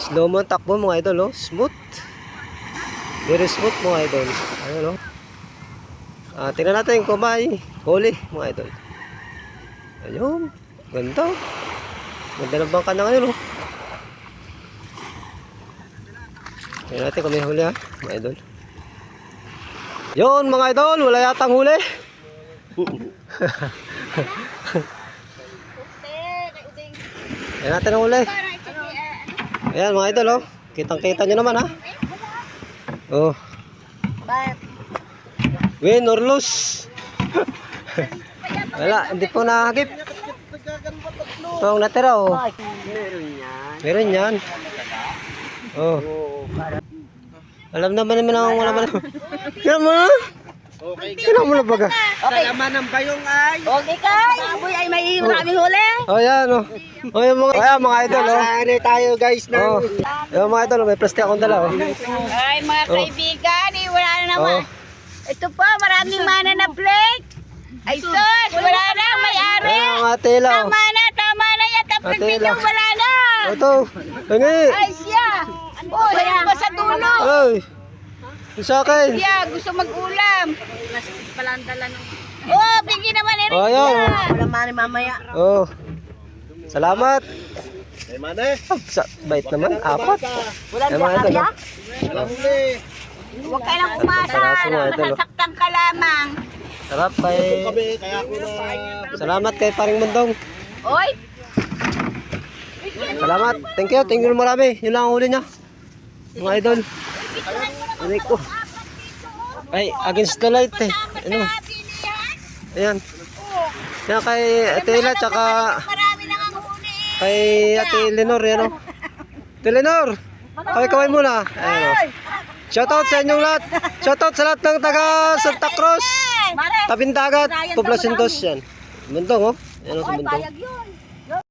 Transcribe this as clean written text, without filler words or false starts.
Slow mo ang takbo mga idol, oh. Smooth. Very smooth mga idol. Ayun, oh. Tingnan natin kung may huli mga idol. Ayun. Ganda. Ganda ng bangka na ngayon, oh. Tingnan natin kung may huli, ha, mga idol. Yun mga idol, wala yatang huli. Tingnan natin ang huli. Ayan mga idol, oh. Kitang-kita nyo naman, ha. Oh. Win or lose. Wala, hindi po nakakip. Ito ang natira, oh. Meron yan. Oh. Alam naman ang wala man. Kaya mo na? Kaya mo na baga. Salaman ng bayong ay. Okay kay. Aboy ay may maraming huli. Oh, yan, oh. Oh, yung mga idol, oh. Ano tayo guys na. Oh. Yung mga idol, may plastic akong dala, oh. Ay mga kaibigan, wala na naman. Ito po, maraming mana na plate. Ay sus, wala na, may-ari. Ayan, mga tela, oh. Tama na yan. Tapos Tela. video, wala na. Ito, hingi. Ay siya. Oh, yan pa sa dulo. Ay, sa akin. Siya, gusto mag-ulam. Plastic pala ang dala nung. Oh, bigyan naman ni Rita. Oh, yan. Wala mani mamaya. Oh. Salamat. Ay mane. Bait naman, apat. Wala Ayan, mga idol, oh. Huwag ka lang umasa. Salamat, mga idol, oh. Nasaktan ka lamang. Sarap kay... Salamat kay Paring Mundong. Oy. Salamat. Thank you marami. Yun lang ang huli niya. Mga idol. Aray ko. Ay, against the light, eh. Ano? Ayan. Yan kay Ate Ila, tsaka Marami nang ang huli. kay Ate Lenor, yan, oh. Ate Lenor, kaway muna. Ayan, oh. Shoutout sa inyong lahat. Shoutout sa lahat ng taga Santa Cruz. Tabing Dagat, Poblacion 2 yan. Bundong, oh. Yan, oh, sa Bundong. Bayag yun.